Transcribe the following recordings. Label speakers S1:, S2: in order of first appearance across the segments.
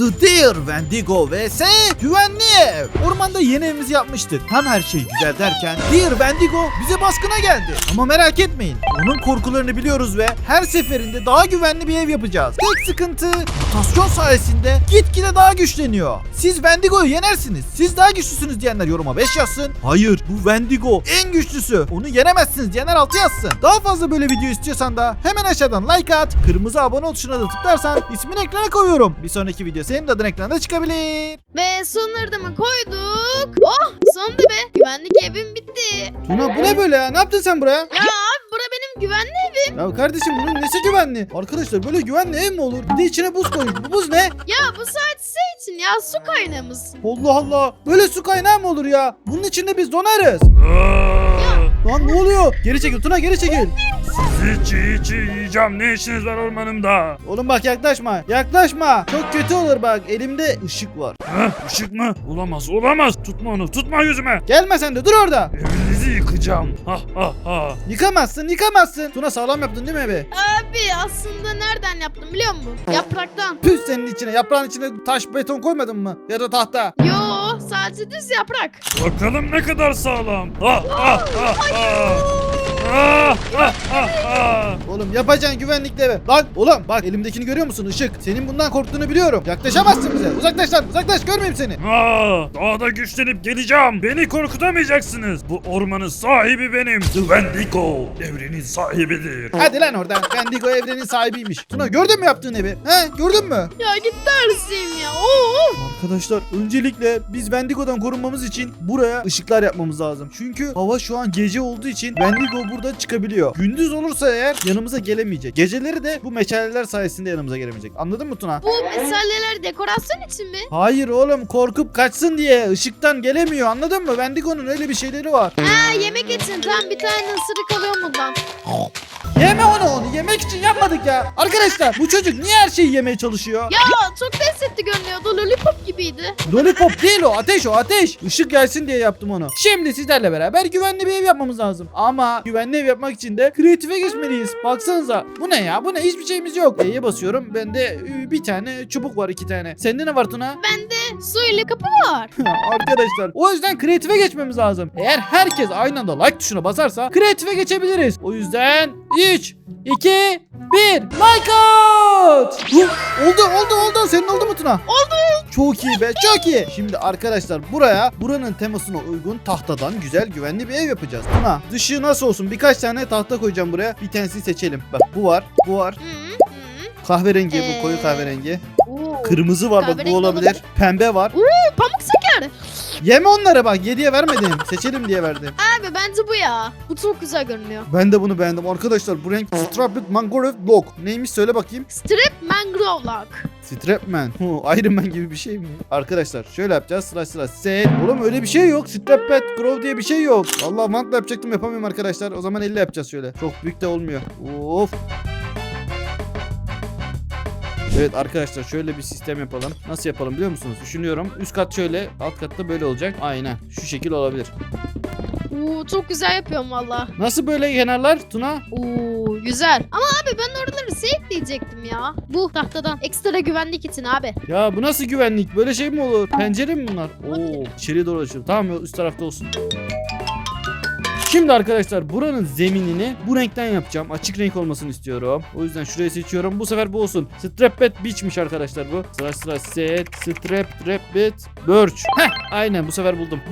S1: The Deer Wendigo vs Güvenli Ev. Ormanda yeni evimizi yapmıştık. Tam her şey güzel derken Deer Wendigo bize baskına geldi. Ama merak etmeyin. Onun korkularını biliyoruz ve her seferinde daha güvenli bir ev yapacağız. Tek sıkıntı mutasyon sayesinde gitgide daha güçleniyor. Siz Wendigo'yu yenersiniz. Siz daha güçlüsünüz diyenler yoruma 5 yazsın. Hayır, bu Wendigo en güçlüsü. Onu yenemezsiniz diyenler 6 yazsın. Daha fazla böyle video istiyorsan da hemen aşağıdan like at. Kırmızı abone ol tuşuna da tıklarsan ismini ekrana koyuyorum. Bir sonraki video senin de adın ekranda çıkabilir.
S2: Ve sonları da mı koyduk? Oh, sonunda be. Güvenlik evim bitti.
S1: Tuna bu ne böyle ya? Ne yaptın sen buraya?
S2: Ya abi bura benim güvenli evim.
S1: Ya kardeşim bunun nesi güvenli? Arkadaşlar böyle güvenli ev mi olur? Bir de içine buz koymuş. Bu buz ne?
S2: Ya bu sadece için ya su kaynağımız.
S1: Allah Allah. Böyle su kaynağı mı olur ya? Bunun içinde biz donarız. Lan ne oluyor? Geri çekil Tuna, geri çekil.
S3: Sizi çiğ çiğ yiyeceğim. Ne işiniz var ormanımda?
S1: Oğlum bak yaklaşma. Yaklaşma. Çok kötü olur bak. Elimde ışık var.
S3: Işık mı? Olamaz, olamaz. Tutma onu, tutma yüzüme.
S1: Gelme sen de dur orada.
S3: Evinizi yıkacağım. Ha ha ha.
S1: Yıkamazsın, yıkamazsın. Tuna sağlam yaptın değil mi evi?
S2: Abi aslında nereden yaptım biliyor musun? Yapraktan.
S1: Püh senin içine. Yaprağın içine taş beton koymadın mı? Ya da tahta.
S2: Yo, sadece düz yaprak.
S3: Bakalım ne kadar sağlam. Ha ha ha ha. Ah, ah, ah, ah.
S1: Oğlum yapacaksın güvenlikli eve. Lan oğlum bak elimdekini görüyor musun? Işık. Senin bundan korktuğunu biliyorum. Yaklaşamazsın bize. Uzaklaş lan. Uzaklaş, görmeyeyim seni.
S3: Daha da güçlenip geleceğim. Beni korkutamayacaksınız. Bu ormanın sahibi benim. The Wendigo evrenin sahibidir.
S1: Hadi lan oradan. Wendigo evrenin sahibiymiş. Tuna gördün mü yaptığın evi? He gördün mü?
S2: Ya git dersim ya. Oo.
S1: Arkadaşlar öncelikle biz Wendigo'dan korunmamız için buraya ışıklar yapmamız lazım. Çünkü hava şu an gece olduğu için Wendigo burada çıkabiliyor. Gündüz olursa eğer yanımıza gelemeyecek. Geceleri de bu meşaleler sayesinde yanımıza gelemeyecek. Anladın mı Tuna?
S2: Bu meseleler dekorasyon için mi?
S1: Hayır oğlum, korkup kaçsın diye ışıktan gelemiyor, anladın mı? Wendigo'nun öyle bir şeyleri var.
S2: Ha, yemek için. Tam bir tane ısırık alıyorum bundan.
S1: Yeme onu yemek için yapmadık ya. Arkadaşlar bu çocuk niye her şeyi yemeye çalışıyor?
S2: Ya çok lezzetli görünüyordu. Lollipop gibiydi.
S1: Lollipop değil o, ateş o, ateş. Işık gelsin diye yaptım onu. Şimdi sizlerle beraber güvenli bir ev yapmamız lazım. Ama güvenli ev yapmak için de kreatife geçmeliyiz. Baksanıza. Bu ne ya? Bu ne? Hiçbir şeyimiz yok. E'ye basıyorum. Bende bir tane çubuk var, 2 tane. Sende ne var Tuna?
S2: Bende su ile kapı var.
S1: Arkadaşlar o yüzden kreatife geçmemiz lazım. Eğer herkes aynı anda like tuşuna basarsa kreatife geçebiliriz. O yüzden 3, 2, 1 like out. Oldu. Senin oldu mu Tuna?
S2: Oldu.
S1: Çok iyi be, çok iyi. Şimdi arkadaşlar buranın temasına uygun tahtadan güzel güvenli bir ev yapacağız. Tuna dışı nasıl olsun? Birkaç tane tahta koyacağım buraya. Bir tanesini seçelim. Bak bu var. Kahverengi, bu koyu kahverengi.
S2: Oo.
S1: Kırmızı var, bak bu
S2: Kahverengi
S1: olabilir.
S2: olabilir.
S1: Pembe var.
S2: Pamuk şeker.
S1: Yeme onları bak, 7'ye vermedim. Seçelim diye verdim.
S2: Abi bence bu ya. Bu çok güzel görünüyor.
S1: Ben de bunu beğendim. Arkadaşlar bu renk Strapped Mangrove Log. Neymiş söyle bakayım.
S2: Strip mangrove log.
S1: Strapman. Iron Man gibi bir şey mi? Arkadaşlar şöyle yapacağız. Sıra set. Oğlum öyle bir şey yok. Strapped Grove diye bir şey yok. Vallahi mantla yapacaktım, yapamıyorum arkadaşlar. O zaman elle yapacağız şöyle. Çok büyük de olmuyor. Of. Evet arkadaşlar şöyle bir sistem yapalım. Nasıl yapalım biliyor musunuz? Düşünüyorum. Üst kat şöyle, alt katta böyle olacak. Aynen. Şu şekil olabilir.
S2: Oo, çok güzel yapıyorum valla.
S1: Nasıl böyle kenarlar Tuna?
S2: Oo, güzel. Ama abi ben oraları safe diyecektim ya. Bu tahtadan. Ekstra güvenlik için abi.
S1: Ya bu nasıl güvenlik? Böyle şey mi olur? Pencere mi bunlar? Oo, içeriye doğru açıyorum. Tamam, üst tarafta olsun. Şimdi arkadaşlar buranın zeminini bu renkten yapacağım. Açık renk olmasını istiyorum. O yüzden şurayı seçiyorum. Bu sefer bu olsun. Strapped Beach'miş arkadaşlar bu. Sıra set. Strapped Birch. Heh, aynen bu sefer buldum.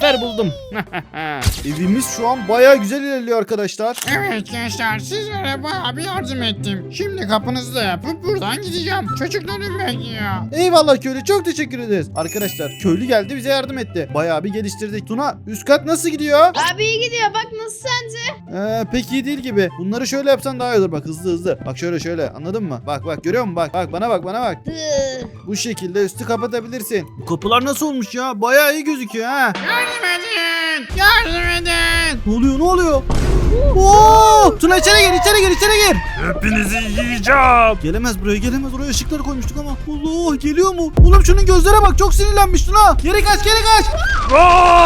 S1: Evimiz şu an bayağı güzel ilerliyor arkadaşlar.
S4: Evet gençler, sizlere bayağı bir yardım ettim. Şimdi kapınızı da yapıp buradan gideceğim. Çocuklarım bekliyor.
S1: Eyvallah köylü, çok teşekkür ederiz. Arkadaşlar köylü geldi, bize yardım etti. Bayağı bir geliştirdik. Tuna üst kat nasıl gidiyor?
S2: Abi iyi gidiyor. Bak nasıl sence?
S1: Pek iyi değil gibi. Bunları şöyle yapsan daha iyi olur, bak hızlı. Bak şöyle anladın mı? Bak görüyor musun? Bak bana bak. Bu şekilde üstü kapatabilirsin. Bu kapılar nasıl olmuş ya? Bayağı iyi gözüküyor ha.
S4: Yardım edin.
S1: Ne oluyor? Oo! Tuna içeri gir.
S3: Hepinizi yiyeceğim.
S1: Gelemez buraya. Oraya ışıkları koymuştuk ama. Allah, geliyor mu? Oğlum şunun gözlere bak, çok sinirlenmiş Tuna. Geri kaç.
S3: Ah!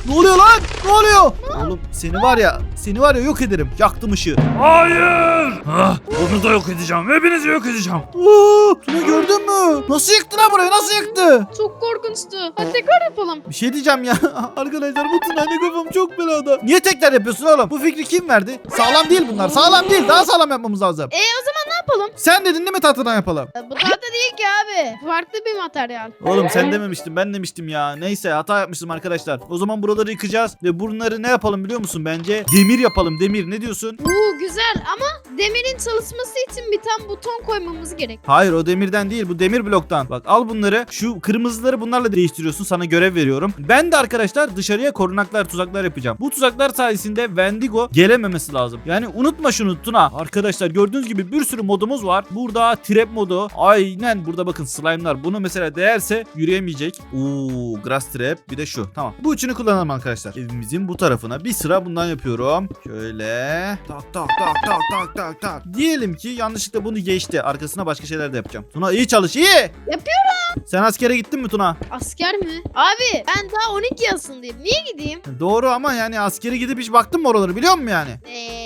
S1: Ne oluyor lan? Ne oluyor? Oğlum seni var ya yok ederim. Yaktım ışığı.
S3: Hayır. Onu da yok edeceğim. Hepinizi yok edeceğim.
S1: Tuna gördün mü? Nasıl yıktı lan burayı? Nasıl yıktı?
S2: Çok korkunçtu. Hadi tekrar yapalım.
S1: Bir şey diyeceğim ya. Arkadaşlar bu Tuna ne kafam çok belada. Niye tekrar yapıyorsun oğlum? Bu fikri kim verdi? Sağlam değil bunlar. Sağlam değil. Daha sağlam yapmamız lazım.
S2: O zaman ne yapalım?
S1: Sen dedin değil mi tahtadan yapalım?
S2: Bu tahta değil ki abi. Farklı bir materyal.
S1: Oğlum sen dememiştin, ben demiştim ya. Neyse hata yapmıştım arkadaşlar. O zaman buraları yıkacağız ve bunları ne yapalım biliyor musun? Bence demir yapalım. Demir ne diyorsun?
S2: Güzel ama demirin çalışması için bir tane buton koymamız gerek.
S1: Hayır o demirden değil, bu demir bloktan. Bak al bunları, şu kırmızıları bunlarla değiştiriyorsun, sana görev veriyorum. Ben de arkadaşlar dışarıya korunaklar, tuzaklar yapacağım. Bu tuzaklar sayesinde Wendigo gelememesi lazım. Yani unutma şunu Tuna. Arkadaşlar gördüğünüz gibi bir sürü modumuz var. Burada trap modu. Aynen burada bakın slime'lar. Bunu mesela değerse yürüyemeyecek. Grass trap, bir de şu. Tamam. Bu üçünü kullanalım arkadaşlar. Evimizin bu tarafına bir sıra bundan yapıyorum. Şöyle. Tak tak tak tak tak tak tak. Diyelim ki yanlışlıkla bunu geçti. Arkasına başka şeyler de yapacağım. Tuna iyi çalış, iyi.
S2: Yapıyorum.
S1: Sen askere gittin mi Tuna?
S2: Asker mi? Abi ben daha 12 yaşındayım. Niye gideyim?
S1: Doğru ama yani askere gidip hiç baktın mı oraları, biliyor musun yani?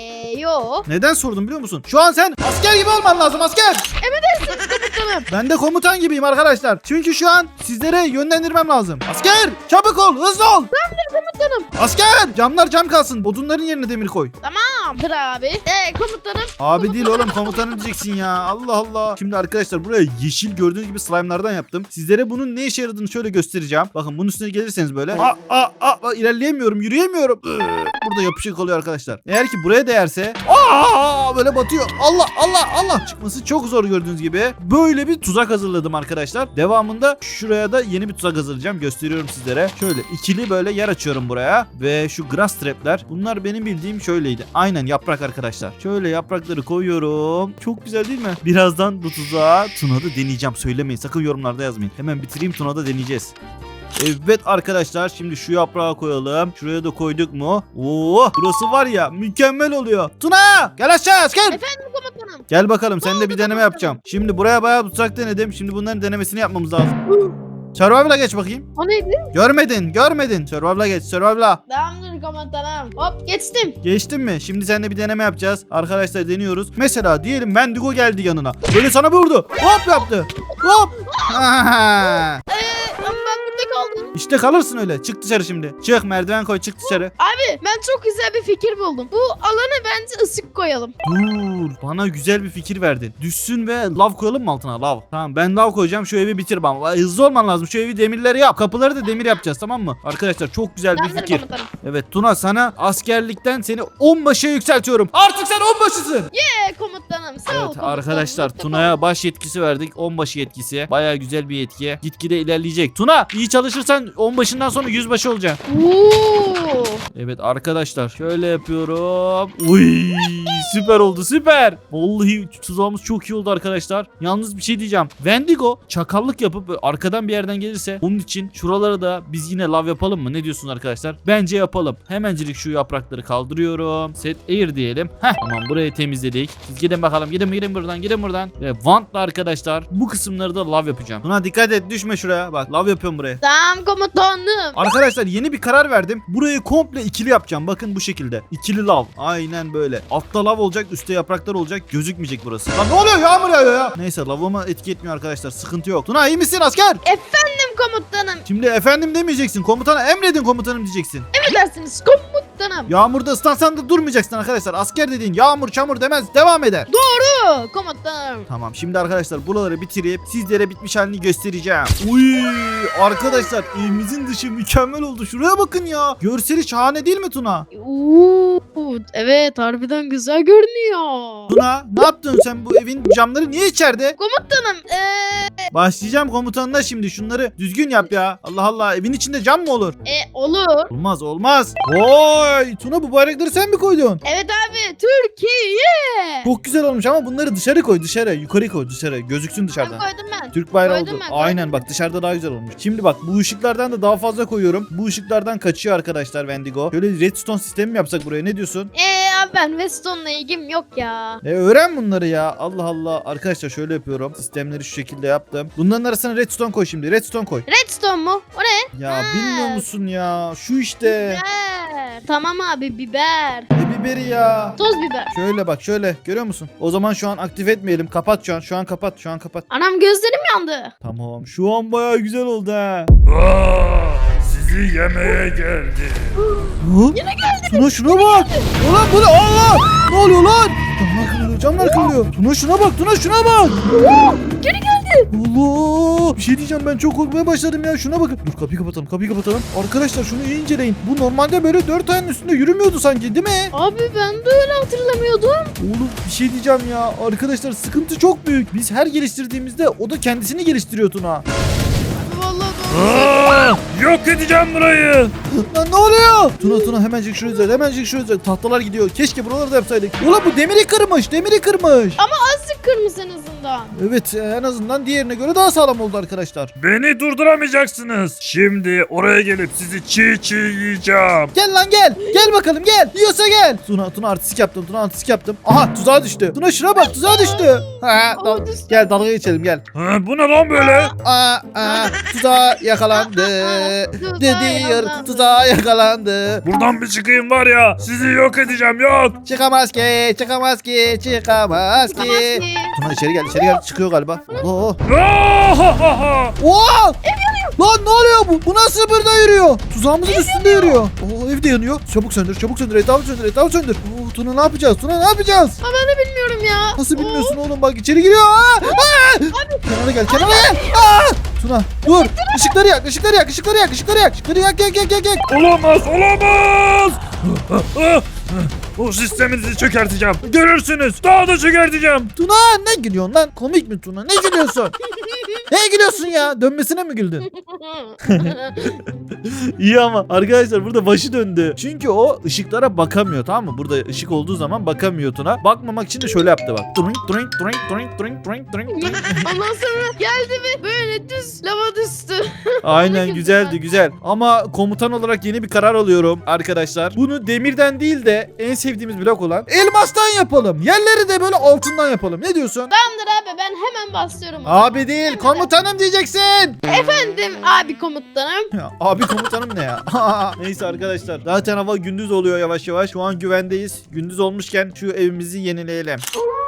S2: Yo.
S1: Neden sordum biliyor musun? Şu an sen asker gibi olman lazım, asker.
S2: Komutanım.
S1: Ben de komutan gibiyim arkadaşlar. Çünkü şu an sizlere yönlendirmem lazım. Asker çabuk ol, hızlı ol.
S2: Komutanım.
S1: Asker camlar cam kalsın. Odunların yerine demir koy.
S2: Tamamdır abi. Komutanım.
S1: Abi değil oğlum, komutanım diyeceksin ya. Allah Allah. Şimdi arkadaşlar buraya yeşil gördüğünüz gibi slime'lardan yaptım. Sizlere bunun ne işe yaradığını şöyle göstereceğim. Bakın bunun üstüne gelirseniz böyle. İlerleyemiyorum, yürüyemiyorum. Burada yapışık oluyor arkadaşlar. Eğer ki buraya değerse böyle batıyor. Allah. Çıkması çok zor gördüğünüz gibi. Böyle bir tuzak hazırladım arkadaşlar. Devamında şuraya da yeni bir tuzak hazırlayacağım. Gösteriyorum sizlere. Şöyle ikili böyle yer açıyorum buraya. Ve şu grass trap'ler. Bunlar benim bildiğim şöyleydi. Aynen yaprak arkadaşlar. Şöyle yaprakları koyuyorum. Çok güzel değil mi? Birazdan bu tuzağı Tuna'da deneyeceğim. Söylemeyin. Sakın yorumlarda yazmayın. Hemen bitireyim, Tuna'da deneyeceğiz. Evet arkadaşlar, şimdi şu yaprağı koyalım. Şuraya da koyduk mu? Burası var ya mükemmel oluyor. Tuna gel aşağı asker.
S2: Efendim komutanım.
S1: Gel bakalım, seninle bir deneme yapacağım. Şimdi buraya bayağı tuzak denedim. Şimdi bunların denemesini yapmamız lazım. Survival'a geç bakayım.
S2: O neydi?
S1: Görmedin. Survival'a geç. Survival'a.
S2: Tamamdır komutanım. Hop geçtim.
S1: Geçtin mi? Şimdi seninle bir deneme yapacağız. Arkadaşlar deniyoruz. Mesela diyelim Wendigo geldi yanına. Böyle sana bir vurdu. Hop yaptı. Hop.
S2: Ama ben burada kaldım.
S1: İşte kalırsın öyle. Çık dışarı şimdi. Çık, merdiven koy, çık dışarı.
S2: Abi ben çok güzel bir fikir buldum. Bu alana bence ısık koyalım.
S1: Dur, bana güzel bir fikir verdin. Düşsün ve lav koyalım mı altına, lav? Tamam, ben lav koyacağım, şu evi bitir bana. Hızlı olman lazım, şu evi demirleri yap. Kapıları da demir yapacağız, tamam mı? Arkadaşlar çok güzel bir
S2: Tamamdır
S1: fikir.
S2: komutanım.
S1: Evet Tuna, sana askerlikten seni onbaşıya yükseltiyorum. Artık sen onbaşısın.
S2: Komutanım sağ ol
S1: Evet
S2: komutanım.
S1: arkadaşlar,
S2: Mutlaka.
S1: Tuna'ya baş yetkisi verdik. Onbaşı yetkisi. Baya güzel bir yetki. Gitgide ilerleyecek. Tuna iyi çalışırsan onbaşından sonra yüzbaşı olacaksın.
S2: Oo.
S1: Evet arkadaşlar, şöyle yapıyorum. Uy, süper oldu, süper. Vallahi tuzağımız çok iyi oldu arkadaşlar. Yalnız bir şey diyeceğim. Wendigo çakallık yapıp böyle arkadan bir yerden gelirse onun için şuralara da biz yine lav yapalım mı? Ne diyorsunuz arkadaşlar? Bence yapalım. Hemencilik şu yaprakları kaldırıyorum. Set air diyelim. Tamam, burayı temizledik. Siz gidin bakalım. Gidin buradan. Ve vantla arkadaşlar bu kısımları da lav yapacağım. Buna dikkat et, düşme şuraya. Bak lav yapıyorum buraya.
S2: Tamam komutanım.
S1: Arkadaşlar yeni bir karar verdim. Burayı komple ikili yapacağım. Bakın bu şekilde. İkili lav. Aynen böyle. Altta lav olacak, üstte yapraklar olacak. Gözükmeyecek burası. Lan ne oluyor? Yağmur yağıyor ya. Neyse, lavıma etki etmiyor arkadaşlar. Sıkıntı yok. Tuna iyi misin asker?
S2: Efendim komutanım.
S1: Şimdi efendim demeyeceksin. Komutana emredin komutanım diyeceksin.
S2: Emredersiniz komutanım.
S1: Yağmurda ıslansan da durmayacaksın arkadaşlar. Asker dediğin yağmur çamur demez. Devam eder.
S2: Komutanım.
S1: Tamam, şimdi arkadaşlar buraları bitirip sizlere bitmiş halini göstereceğim. Uy arkadaşlar, evimizin dışı mükemmel oldu. Şuraya bakın ya. Görseli şahane değil mi Tuna?
S2: Evet harbiden güzel görünüyor.
S1: Tuna ne yaptın sen, bu evin camları niye içeride?
S2: Komutanım
S1: Başlayacağım komutanına şimdi, şunları düzgün yap ya. Allah Allah, evin içinde cam mı olur?
S2: olur.
S1: Olmaz. Oy Tuna, bu bayrakları sen mi koydun?
S2: Evet abi Türkiye.
S1: Çok güzel olmuş ama bunları dışarı koy, dışarı. Yukarı koy, dışarı. Gözüksün
S2: Ben
S1: dışarıdan.
S2: koydum ben.
S1: Türk bayrağı
S2: Koydum
S1: oldu.
S2: ben, koydum.
S1: Aynen bak, dışarıda daha güzel olmuş. Şimdi bak, bu ışıklardan da daha fazla koyuyorum. Bu ışıklardan kaçıyor arkadaşlar Wendigo. Şöyle redstone sistemi mi yapsak buraya, ne diyorsun?
S2: Abi ben Weston'la ilgim yok ya.
S1: Öğren bunları ya. Allah Allah. Arkadaşlar şöyle yapıyorum. Sistemleri şu şekilde yaptım. Bunların arasına redstone koy şimdi. Redstone koy.
S2: Redstone mu? O ne?
S1: Ya
S2: Ha.
S1: bilmiyor musun ya? Şu işte.
S2: Biber. Tamam abi biber.
S1: Ne biberi ya?
S2: Toz biber.
S1: Şöyle bak şöyle. Görüyor musun? O zaman şu an aktif etmeyelim. Kapat şu an. Şu an kapat. Şu an kapat.
S2: Anam gözlerim yandı.
S1: Tamam. Şu an bayağı güzel oldu ha.
S3: Sizi yemeye geldi.
S1: Yine geldi. Şuna bak. Ulan bu ne? Allah! Ne oluyor lan? Camlar kırılıyor. Camlar kırılıyor. Şuna bak. Şuna bak.
S2: Geri geldi.
S1: Allah! Bir şey diyeceğim, ben çok korkmaya başladım ya. Şuna bakın. Dur kapıyı kapatalım. Arkadaşlar şunu iyi inceleyin. Bu normalde böyle 4 ayağının üstünde yürümüyordu sanki, değil mi?
S2: Abi ben de öyle hatırlamıyordum.
S1: Oğlum bir şey diyeceğim ya. Arkadaşlar sıkıntı çok büyük. Biz her geliştirdiğimizde o da kendisini geliştiriyor Tuna.
S2: Vallahi
S3: Yok edeceğim burayı.
S1: Lan ne oluyor? Tuna hemencik şuraya düzelt. Tahtalar gidiyor. Keşke buraları da yapsaydık. Ulan bu demiri kırmış.
S2: azıcık kırmızı en azından.
S1: Evet, en azından diğerine göre daha sağlam oldu arkadaşlar.
S3: Beni durduramayacaksınız. Şimdi oraya gelip sizi çiğ yiyeceğim.
S1: Gel lan gel. Gel bakalım gel. Yiyorsa gel. Tuna artistik yaptım. Aha tuzağa düştü. Tuna şuna bak, tuzağa düştü.
S2: Düştü.
S1: Gel dalga geçelim gel.
S3: Bu ne lan böyle?
S1: Tuzağa yakalandı. Tuzağa yakalandı.
S3: Buradan bir çıkayım var ya. Sizi yok edeceğim yok.
S1: Çıkamaz ki. Tuna içeri gel. Çıkıyor galiba. Oo. Oo! Lan ne oluyor bu? Bu nasıl burada yürüyor? Tuzağımızın üstünde yürüyor. Oo, ev de yanıyor. Çabuk söndür. Etrafı söndür. Oo, Tuna ne yapacağız?
S2: Ben de bilmiyorum ya.
S1: Nasıl bilmiyorsun oğlum, bak içeri giriyor. Kenara gel. Tuna dur. Işıkları yak.
S3: Olamaz. O sisteminizi çökerteceğim. Görürsünüz. Daha da çökerteceğim.
S1: Tuna ne gülüyorsun lan? Komik mi Tuna? Ne gülüyorsun? Ne gülüyorsun ya? Dönmesine mi güldün? İyi ama arkadaşlar burada başı döndü. Çünkü o ışıklara bakamıyor, tamam mı? Burada ışık olduğu zaman bakamıyor Tuna. Bakmamak için de şöyle yaptı bak.
S2: Ondan sonra geldi ve böyle düz lava düştü.
S1: Aynen, güzel. Ama komutan olarak yeni bir karar alıyorum arkadaşlar. Bunu demirden değil de en sevdiğimiz blok olan elmastan yapalım. Yerleri de böyle altından yapalım. Ne diyorsun?
S2: Tamamdır abi ben hemen basıyorum.
S1: Abi değil, komutanım diyeceksin.
S2: Efendim abi komutanım.
S1: Ya, abi komutanım ne ya? Neyse arkadaşlar. Zaten hava gündüz oluyor yavaş yavaş. Şu an güvendeyiz. Gündüz olmuşken şu evimizi yenileyelim.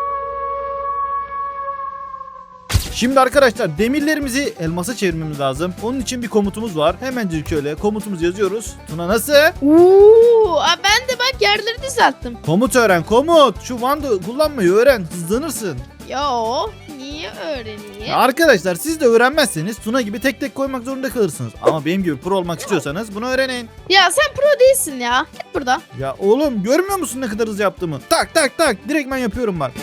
S1: Şimdi arkadaşlar demirlerimizi elmasa çevirmemiz lazım. Onun için bir komutumuz var. Hemencik şöyle komutumuzu yazıyoruz. Tuna nasıl?
S2: Ben de bak yerleri düzelttim.
S1: Komut öğren, komut. Şu Wand'ı kullanmayı öğren. Hızlanırsın.
S2: Yo niye öğreneyim?
S1: Arkadaşlar siz de öğrenmezseniz Tuna gibi tek tek koymak zorunda kalırsınız. Ama benim gibi pro olmak istiyorsanız bunu öğrenin.
S2: Ya sen pro değilsin ya. Git buradan.
S1: Ya oğlum görmüyor musun ne kadar hızlı yaptığımı? Tak. Direkt ben yapıyorum bak.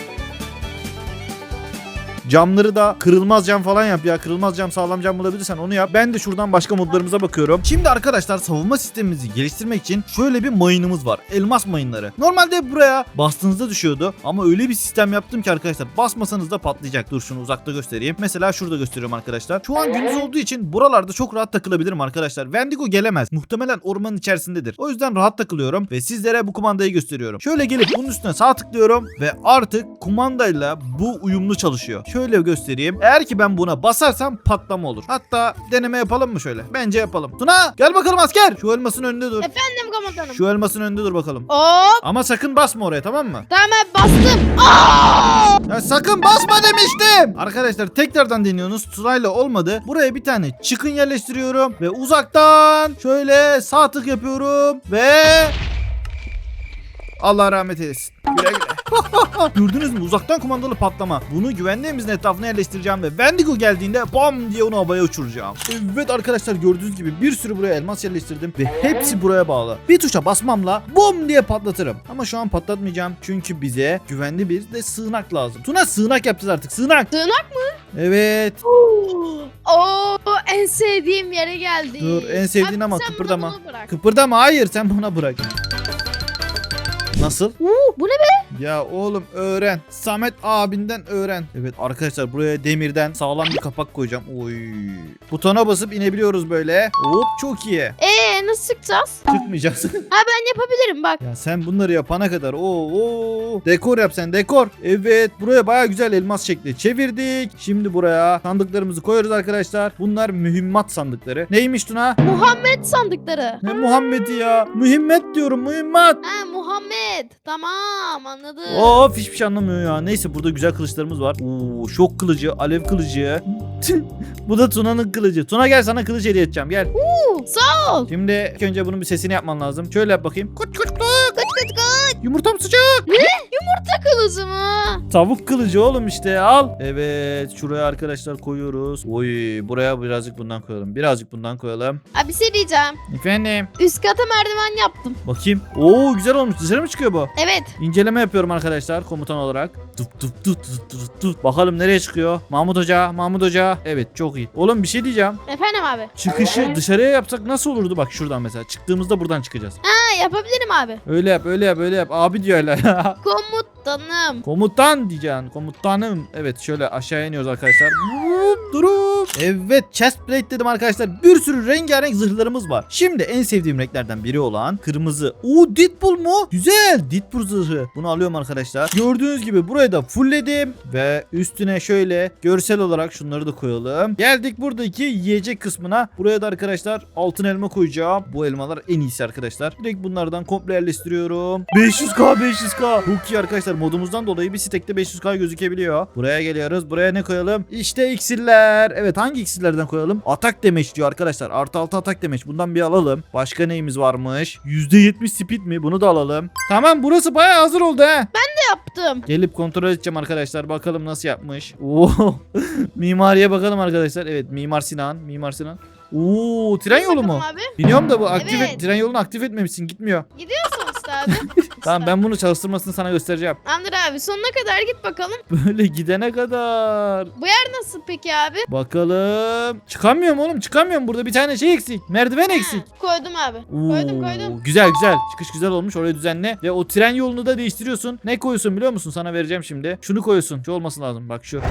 S1: Camları da kırılmaz cam falan yap ya. Kırılmaz cam, sağlam cam bulabilirsen onu yap. Ben de şuradan başka modlarımıza bakıyorum. Şimdi arkadaşlar savunma sistemimizi geliştirmek için şöyle bir mayınımız var. Elmas mayınları. Normalde buraya bastığınızda düşüyordu. Ama öyle bir sistem yaptım ki arkadaşlar basmasanız da patlayacak. Dur şunu uzakta göstereyim. Mesela şurada gösteriyorum arkadaşlar. Şu an gündüz olduğu için buralarda çok rahat takılabilirim arkadaşlar. Wendigo gelemez. Muhtemelen ormanın içerisindedir. O yüzden rahat takılıyorum ve sizlere bu kumandayı gösteriyorum. Şöyle gelip bunun üstüne sağ tıklıyorum ve artık kumandayla bu uyumlu çalışıyor. Şöyle göstereyim. Eğer ki ben buna basarsam patlama olur. Hatta deneme yapalım mı şöyle? Bence yapalım. Tuna gel bakalım asker. Şu elmasın önünde dur.
S2: Efendim komutanım.
S1: Şu elmasın önünde dur bakalım.
S2: Hop.
S1: Ama sakın basma oraya, tamam mı?
S2: Tamam bastım.
S1: Ya sakın basma demiştim. Arkadaşlar tekrardan deniyorsunuz. Sırayla olmadı. Buraya bir tane çıkın yerleştiriyorum. Ve uzaktan şöyle sağ tık yapıyorum. Ve... Allah rahmet eylesin. Güle güle. Gördünüz mü? Uzaktan kumandalı patlama. Bunu güvenli evimizin etrafına yerleştireceğim ve Wendigo geldiğinde bam diye onu havaya uçuracağım. Evet arkadaşlar gördüğünüz gibi bir sürü buraya elmas yerleştirdim ve hepsi buraya bağlı. Bir tuşa basmamla bom diye patlatırım. Ama şu an patlatmayacağım çünkü bize güvenli bir de sığınak lazım. Tuna sığınak yapacağız artık. Sığınak.
S2: Sığınak
S1: Evet.
S2: Oo en sevdiğim yere geldi.
S1: Dur, en sevdiğin
S2: Abi,
S1: ama
S2: sen
S1: kıpırdama.
S2: bunu bırak.
S1: Kıpırdama, hayır sen buna bırak. Nasıl?
S2: Bu ne be?
S1: Ya oğlum öğren. Samet abinden öğren. Evet arkadaşlar buraya demirden sağlam bir kapak koyacağım. Oy. Butona basıp inebiliyoruz böyle. Hop çok iyi.
S2: nasıl çıkacağız?
S1: Çıkmayacağız.
S2: Ha ben yapabilirim bak.
S1: Ya sen bunları yapana kadar dekor yap sen, dekor. Evet, buraya baya güzel elmas şekli çevirdik. Şimdi buraya sandıklarımızı koyuyoruz arkadaşlar. Bunlar mühimmat sandıkları. Neymiş Tuna?
S2: Muhammed sandıkları.
S1: Ne Muhammed'i ya? Mühimmet diyorum, mühimmat.
S2: Ha Muhammed. Tamam anladım.
S1: Of, hiçbir şey anlamıyor ya. Neyse, burada güzel kılıçlarımız var. Oo, şok kılıcı, alev kılıcı. Bu da Tuna'nın kılıcı. Tuna gel, sana kılıç hediye edeceğim, gel.
S2: Sağ ol.
S1: Şimdi ilk önce bunun bir sesini yapman lazım. Şöyle yap bakayım. Kut kut kut. Yumurtam sıcak.
S2: Kılıcı mı?
S1: Tavuk kılıcı oğlum işte, al. Evet, şuraya arkadaşlar koyuyoruz. Oy, buraya birazcık bundan koyalım. Birazcık bundan koyalım.
S2: Abi bir şey diyeceğim.
S1: Efendim.
S2: Üst kata merdiven yaptım.
S1: Bakayım. Oo, güzel olmuş. Dışarı mı çıkıyor bu?
S2: Evet.
S1: İnceleme yapıyorum arkadaşlar komutan olarak. Bakalım nereye çıkıyor? Mahmut Hoca, Mahmut Hoca. Evet, çok iyi. Oğlum bir şey diyeceğim.
S2: Efendim abi.
S1: Çıkışı dışarıya yapsak nasıl olurdu? Bak şuradan mesela. Çıktığımızda buradan çıkacağız.
S2: Ha yapabilirim abi.
S1: Öyle yap, öyle yap, öyle yap. Abi diyor hala.
S2: Komutanım.
S1: Komutan diyeceksin. Komutanım. Evet, şöyle aşağıya iniyoruz arkadaşlar. Durup. Evet, chest plate dedim arkadaşlar. Bir sürü rengarenk zırhlarımız var. Şimdi en sevdiğim renklerden biri olan kırmızı. Oo, Deadpool mu? Güzel. Deadpool zırhı. Bunu alıyorum arkadaşlar. Gördüğünüz gibi burayı da fullledim. Ve üstüne şöyle görsel olarak şunları da koyalım. Geldik buradaki yiyecek kısmına. Buraya da arkadaşlar altın elma koyacağım. Bu elmalar en iyisi arkadaşlar. Direkt bunlardan komple yerleştiriyorum. 500k. Çok iyi arkadaşlar. Modumuzdan dolayı bir stekte 500k gözükebiliyor. Buraya geliyoruz. Buraya ne koyalım? İşte iksirler. Evet, hangi iksirlerden koyalım? Atak demeç diyor arkadaşlar. Artı 6 atak demeç. Bundan bir alalım. Başka neyimiz varmış? %70 speed mi? Bunu da alalım. Tamam, burası bayağı hazır oldu he.
S2: Yaptım.
S1: Gelip kontrol edeceğim arkadaşlar. Bakalım nasıl yapmış. Oo. Mimariye bakalım arkadaşlar. Evet, Mimar Sinan. Oo, tren yolu mu?
S2: Bakalım abi.
S1: Biliyorum da bu aktif
S2: Evet.
S1: tren yolunu aktif etmemişsin, gitmiyor.
S2: Gidiyorsun işte abi.
S1: Tamam, ben bunu çalıştırmasını sana göstereceğim.
S2: Tamamdır abi sonuna kadar git bakalım.
S1: Böyle gidene kadar.
S2: Bu yer nasıl peki abi?
S1: Bakalım. Çıkamıyorum oğlum, çıkamıyorum. Burada bir tane şey eksik. Merdiven eksik.
S2: Koydum abi.
S1: Oo,
S2: Koydum.
S1: Güzel. Çıkış güzel olmuş. Orayı düzenle. Ve o tren yolunu da değiştiriyorsun. Ne koyuyorsun biliyor musun? Sana vereceğim şimdi. Şunu koyuyorsun. Şu olması lazım. Bak şu.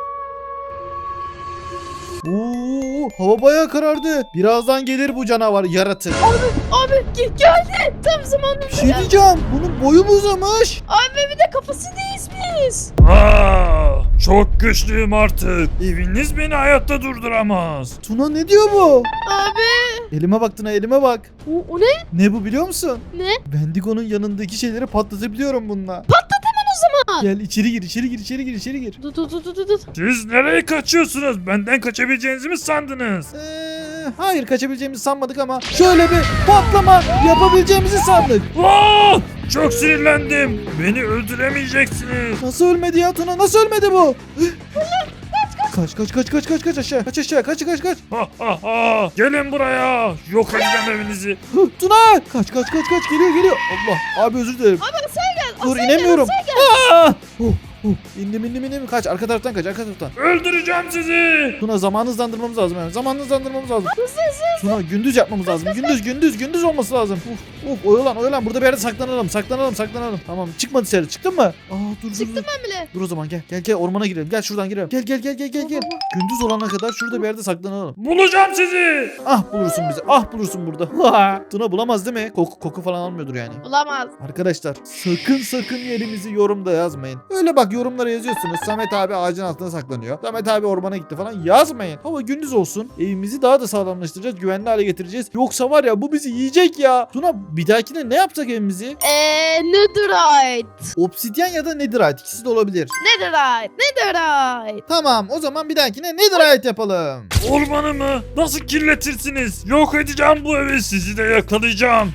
S1: Oo, hava bayağı karardı. Birazdan gelir bu canavar, yaratık.
S2: Abi geldi. Tam zamanında.
S1: Bir şey diyeceğim. Bunun boyu mu uzamış?
S2: Abi bir de kafası değişmiş.
S3: Çok güçlüyüm artık. Eviniz beni hayatta durduramaz.
S1: Tuna, ne diyor bu?
S2: Abi.
S1: Elime bak Tuna, elime bak.
S2: O ne?
S1: Ne bu biliyor musun?
S2: Ne?
S1: Wendigo'nun yanındaki şeyleri patlatabiliyorum bununla.
S2: zaman.
S1: Gel içeri gir.
S2: Dur.
S3: Siz nereye kaçıyorsunuz? Benden kaçabileceğinizi mi sandınız?
S1: Hayır, kaçabileceğimizi sanmadık ama şöyle bir patlama yapabileceğimizi sandık.
S3: Aa! Çok sinirlendim. Beni öldüremeyeceksiniz.
S1: Nasıl ölmedi ya Tuna? Nasıl ölmedi bu? Kaç aşağı. Kaç.
S3: Ha ha ha! Gelin buraya. Yok edeceğim evinizi.
S1: Tuna! Kaç. Geliyor. Allah. Abi özür dilerim.
S2: Abi sen gel.
S1: Dur, inemiyorum. İndim. Kaç. Arka taraftan kaç.
S3: Öldüreceğim sizi.
S1: Tuna, zamanı hızlandırmamız lazım. Tuna, gündüz yapmamız lazım. Gündüz olması lazım. Oyalan. Burada bir yerde saklanalım. Tamam, çıkma dışarı. Çıktın mı? Dur.
S2: Çıktım ben bile.
S1: Dur o zaman, gel ormana girelim. Gel şuradan girelim. Gel. Gündüz olana kadar şurada bir yerde saklanalım.
S3: Bulacağım sizi.
S1: Bulursun bizi. Bulursun burada. Tuna bulamaz değil mi? Koku falan almıyordur yani.
S2: Bulamaz.
S1: Arkadaşlar sakın yerimizi yorumda yazmayın. Öyle bak, yorumlara yazıyorsunuz. Samet abi ağacın altına saklanıyor. Samet abi ormana gitti falan. Yazmayın. Hava gündüz olsun. Evimizi daha da sağlamlaştıracağız. Güvenli hale getireceğiz. Yoksa var ya, bu bizi yiyecek ya. Tuna, bir dahakine ne yapsak evimizi?
S2: Netherite.
S1: Obsidyen ya da netherite. İkisi de olabilir.
S2: Netherite.
S1: Tamam, o zaman bir dahakine netherite yapalım.
S3: Ormanı mı? Nasıl kirletirsiniz? Yok edeceğim bu evi. Sizi de yakalayacağım.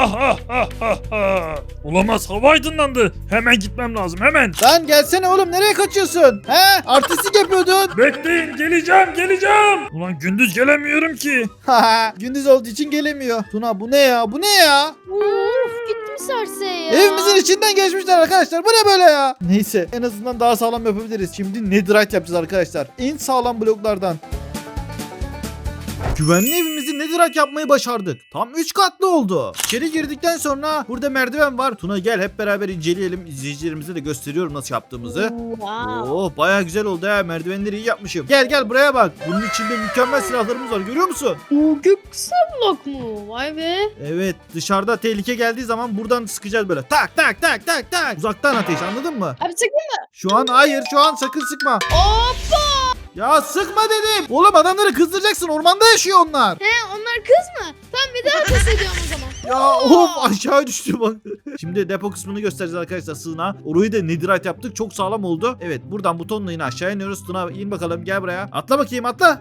S3: Olamaz, hava aydınlandı. Hemen gitmem lazım, hemen.
S1: Lan gelsene oğlum, nereye kaçıyorsun? Artistlik yapıyordun.
S3: Bekleyin, geleceğim. Ulan gündüz gelemiyorum ki.
S1: Gündüz olduğu için gelemiyor. Tuna, bu ne ya?
S2: Uf gittim serseye ya.
S1: Evimizin içinden geçmişler arkadaşlar. Bu ne böyle ya? Neyse, en azından daha sağlam yapabiliriz. Şimdi netherite yapacağız arkadaşlar. En sağlam bloklardan. Güvenli evimizi netherite yapmayı başardık. Tam 3 katlı oldu. İçeri girdikten sonra burada merdiven var. Tuna gel hep beraber inceleyelim. İzleyicilerimize de gösteriyorum nasıl yaptığımızı.
S2: Wow.
S1: Oh bayağı güzel oldu ya. Merdivenleri iyi yapmışım. Gel buraya bak. Bunun içinde mükemmel silahlarımız var. Görüyor musun?
S2: O göksel blok mu? Vay be.
S1: Evet, dışarıda tehlike geldiği zaman buradan sıkacağız böyle. Tak tak tak tak tak. Uzaktan ateş, anladın mı?
S2: Abi sakın.
S1: Şu an hayır, şu an sakın sıkma.
S2: Hoppa.
S1: Ya sıkma dedim. Oğlum adamları kızdıracaksın. Ormanda yaşıyor onlar.
S2: He onlar kız mı? Tamam bir daha ateş ediyorum o zaman.
S1: Ya of aşağı düştü bak. Şimdi depo kısmını göstereceğiz arkadaşlar, sığınağa. Orayı da netherite yaptık. Çok sağlam oldu. Evet, buradan butonla yine aşağı iniyoruz. Tuna in bakalım, gel buraya. Atla bakayım, atla.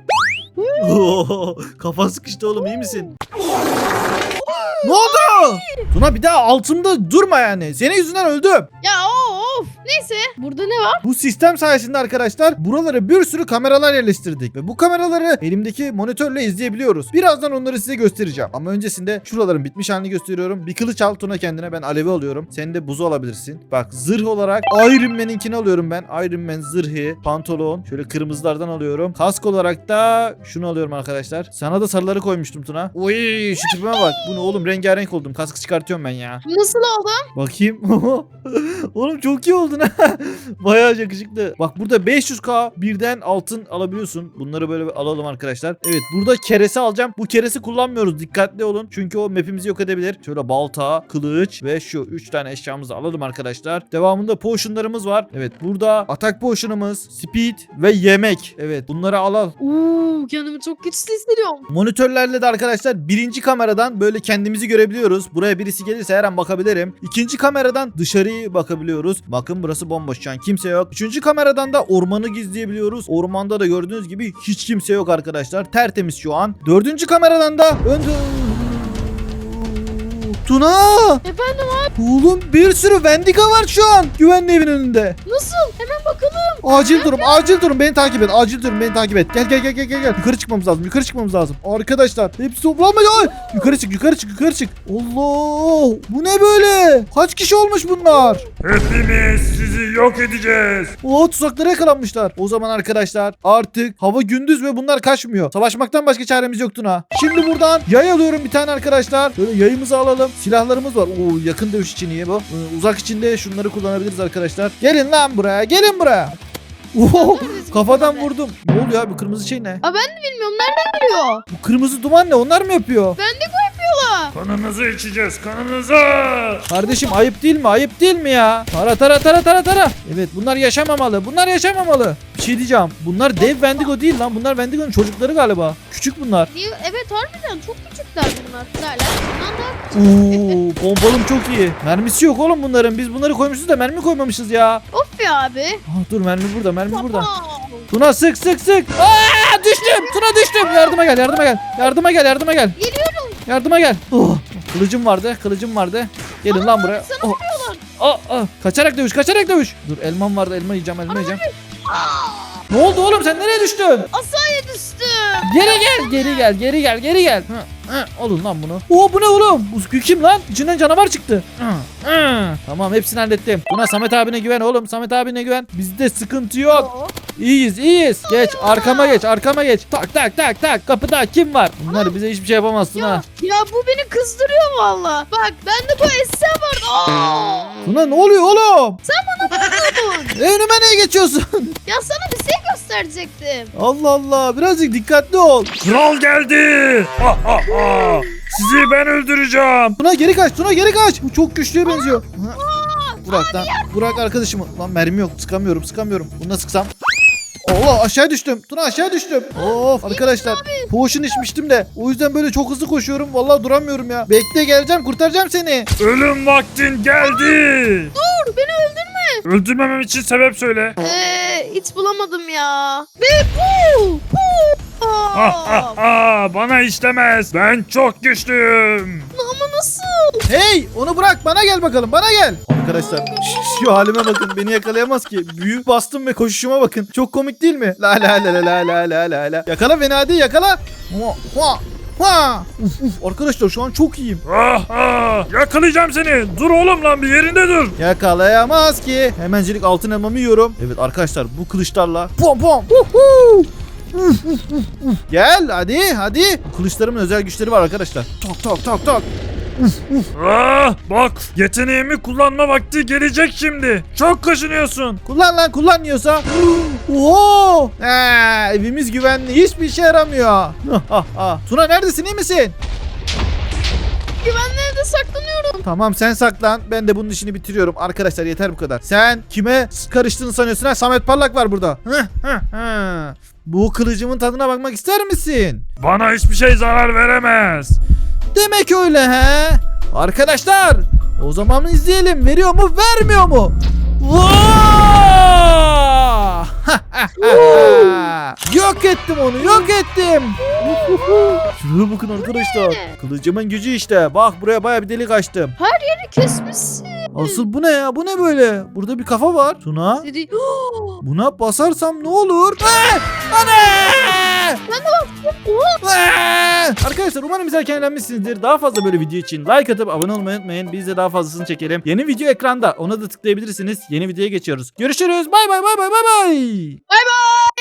S1: Oo, kafan sıkıştı oğlum, iyi misin? Ne oldu? Tuna bir daha altımda durma yani. Senin yüzünden öldüm.
S2: Ya of. Neyse. Burada ne var?
S1: Bu sistem sayesinde arkadaşlar buralara bir sürü kameralar yerleştirdik. Ve bu kameraları elimdeki monitörle izleyebiliyoruz. Birazdan onları size göstereceğim. Ama öncesinde şuraların bitmiş halini gösteriyorum. Bir kılıç al Tuna kendine, ben alevi alıyorum. Sen de buzu alabilirsin. Bak zırh olarak Iron Man'inkini alıyorum ben. Iron Man zırhı, pantolon. Şöyle kırmızılardan alıyorum. Kask olarak da şunu alıyorum arkadaşlar. Sana da sarıları koymuştum Tuna. Oy şu tipime bak. Bu ne oğlum, rengarenk oldum. Kaskı çıkartıyorum ben ya.
S2: Nasıl oldu?
S1: Bakayım. Oğlum çok iyi oldun ha. Bayağı yakışıklı. Bak burada 500k birden altın alabiliyorsun. Bunları böyle alalım arkadaşlar. Evet, burada keresi alacağım. Bu keresi kullanmıyoruz. Dikkatli olun. Çünkü o map'imizi yok edebilir. Şöyle balta, kılıç ve şu 3 tane eşyamızı alalım arkadaşlar. Devamında potionlarımız var. Evet, burada atak potion'ımız, speed ve yemek. Evet, bunları al.
S2: Kendimi çok güçlü hissediyorum.
S1: Monitörlerle de arkadaşlar birinci kameradan böyle kendimizi görebiliyoruz. Buraya birisi gelirse her an bakabilirim. İkinci kameradan dışarıyı bakabiliyoruz. Bakın burası bomboş, şu an kimse yok. Üçüncü kameradan da ormanı gizleyebiliyoruz. Ormanda da gördüğünüz gibi hiç kimse yok arkadaşlar. Tertemiz şu an. Dördüncü kameradan da Tuna!
S2: Efendim abi
S1: Oğlum bir sürü Wendigo var şu an güvenli evin önünde.
S2: nasıl? Hemen bakalım.
S1: Acil durum, beni takip et. Acil durum, beni takip et. Gel. Yukarı çıkmamız lazım. Arkadaşlar hepsi toplanmıyor. Ay! Yukarı çık. Allah! Bu ne böyle? Kaç kişi olmuş bunlar?
S3: Hepimiz sizi yok edeceğiz.
S1: Oo, tuzaklara yakalanmışlar. O zaman arkadaşlar artık hava gündüz ve bunlar kaçmıyor. Savaşmaktan başka çaremiz yok Tuna. Şimdi buradan yay alıyorum bir tane arkadaşlar. Böyle yayımızı alalım. Silahlarımız var. Oo, yakın dövüş için iyi bu. Uzak içinde şunları kullanabiliriz arkadaşlar. Gelin lan buraya. Oo, kafadan vurdum. Ne oluyor abi, kırmızı şey ne?
S2: Bilmiyorum nereden geliyor?
S1: Bu kırmızı duman ne? Onlar mı yapıyor?
S2: Yapıyorlar.
S3: Kanınızı içeceğiz, kanınızı.
S1: Kardeşim ayıp değil mi ya? Tara. Evet, bunlar yaşamamalı. Bir şey diyeceğim. Bunlar dev Wendigo değil lan. Bunlar Wendigo'nun çocukları galiba. Küçük bunlar.
S2: Evet harbiden çok küçükler bunlar. Hala bundan daha küçük.
S1: Oo, bombalım çok iyi. Mermisi yok oğlum bunların. Biz bunları koymuşuz da mermi koymamışız ya.
S2: Of ya abi.
S1: Dur, mermi burada.
S2: Wow.
S1: Tuna sık. Aa, düştüm. Tuna düştüm. Yardıma gel.
S2: Geliyorum.
S1: Yardıma gel. Oh, kılıcım vardı. Gelin lan buraya.
S2: Sana vuruyorlar.
S1: Kaçarak dövüş. Dur, elmam vardı. Elma yiyeceğim. Ne oldu oğlum, sen nereye düştün?
S2: Asaya düştüm.
S1: Geri gel. Alın lan bunu. Oo, bu ne oğlum? Bu kim lan? İçinden canavar çıktı. Tamam, hepsini hallettim. Buna Samet abine güven oğlum. Bizde sıkıntı yok. İyiyiz. Geç arkama geç. Tak. Kapıda kim var? Bunlar bize hiçbir şey yapamazsın ha.
S2: Ya bu beni kızdırıyor valla. Bak bende bu esse var.
S1: Tuna ne oluyor oğlum?
S2: Vurdun.
S1: Önüme niye geçiyorsun?
S2: Ya sana bir şey gösterecektim.
S1: Allah, birazcık dikkatli ol.
S3: Kral geldi. Sizi ben öldüreceğim.
S1: Tuna geri kaç. Bu çok güçlüye benziyor. Burak arkadaşımı. Lan mermi yok, sıkamıyorum. Bunu nasıl sıksam? Allah, aşağı düştüm. Tuna aşağı düştüm. Of arkadaşlar, potion içmiştim de o yüzden böyle çok hızlı koşuyorum. Vallahi duramıyorum ya. Bekle, geleceğim, kurtaracağım seni.
S3: Ölüm vaktin geldi.
S2: Dur beni öldürme.
S3: Öldürmemem için sebep söyle.
S2: Hiç bulamadım ya. Ve
S3: Bana işlemez. Ben çok güçlüyüm.
S2: Ama nasıl?
S1: Hey, onu bırak, bana gel bakalım, Arkadaşlar şu halime bakın, beni yakalayamaz ki. Büyük bastım ve koşuşuma bakın. Çok komik değil mi? La. Yakala beni, hadi yakala. Arkadaşlar şu an çok iyiyim.
S3: Yakalayacağım seni. Dur oğlum lan, bir yerinde dur.
S1: Yakalayamaz ki. Hemencilik altın elmamı yiyorum. Evet arkadaşlar, bu kılıçlarla pom. Gel hadi. Kılıçlarımın özel güçleri var arkadaşlar. Tok.
S3: Bak yeteneğimi kullanma vakti gelecek şimdi. Çok kaşınıyorsun.
S1: Kullanmıyorsa. Oho! Evimiz güvenli. Hiçbir işe yaramıyor. Tuna neredesin, iyi misin?
S2: Güvenli evde saklanıyorum.
S1: Tamam sen saklan. Ben de bunun işini bitiriyorum. Arkadaşlar yeter bu kadar. Sen kime karıştığını sanıyorsun ha? Samet Parlak var burada. Bu kılıcımın tadına bakmak ister misin?
S3: Bana hiçbir şey zarar veremez.
S1: Demek öyle he. Arkadaşlar o zaman izleyelim. Veriyor mu vermiyor mu? Yok ettim onu, yok ettim. Şuraya bakın arkadaşlar. Kılıcımın gücü işte. Bak buraya baya bir delik açtım.
S2: Kesmişsin.
S1: Asıl bu ne ya? Bu ne böyle? Burada bir kafa var. Tuna.
S2: Seni...
S1: Buna basarsam ne olur? Ana!
S2: Ben de baktım.
S1: Arkadaşlar umarım izlerken eğlenmişsinizdir. Daha fazla böyle video için like atıp abone olmayı unutmayın. Biz de daha fazlasını çekelim. Yeni video ekranda. Ona da tıklayabilirsiniz. Yeni videoya geçiyoruz. Görüşürüz. Bay bay.
S2: Bay bay.